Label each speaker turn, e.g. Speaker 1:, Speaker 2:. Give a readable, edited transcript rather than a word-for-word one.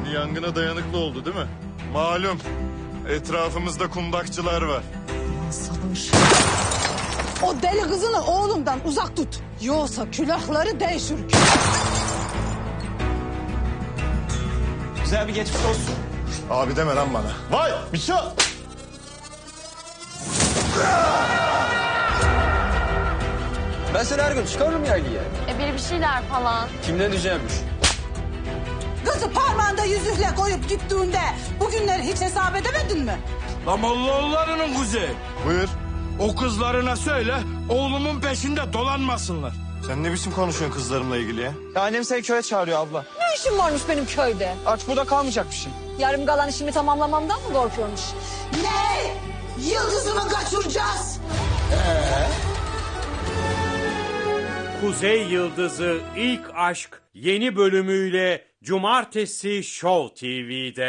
Speaker 1: yangına dayanıklı oldu değil mi? Malum etrafımızda kundakçılar var.
Speaker 2: Sabır. O deli kızını oğlumdan uzak tut. Yoksa külahları değişir.
Speaker 3: Güzel bir geçmiş olsun.
Speaker 1: Abi deme lan bana. Vay Miço!
Speaker 3: Ben seni her gün çıkarırım yaylaya.
Speaker 4: Biri bir şeyler falan.
Speaker 3: Kimden diyeceğimmiş?
Speaker 2: Kızı parmağında yüzükle koyup gittiğinde bugünleri hiç hesap edemedin mi?
Speaker 5: Lan Mollaoğulları'nın kuzeyi.
Speaker 1: Buyur.
Speaker 5: O kızlarına söyle oğlumun peşinde dolanmasınlar.
Speaker 1: Sen ne biçim konuşuyorsun kızlarımla ilgili ya?
Speaker 3: Ya annem seni köye çağırıyor abla.
Speaker 6: Ne işim varmış benim köyde?
Speaker 3: Aç burada kalmayacakmışsın.
Speaker 6: Yarım kalan işimi tamamlamamdan mı korkuyormuş?
Speaker 2: Ne? Yıldızımı kaçıracağız.
Speaker 7: Kuzey Yıldızı İlk Aşk yeni bölümüyle Cumartesi Show TV'de.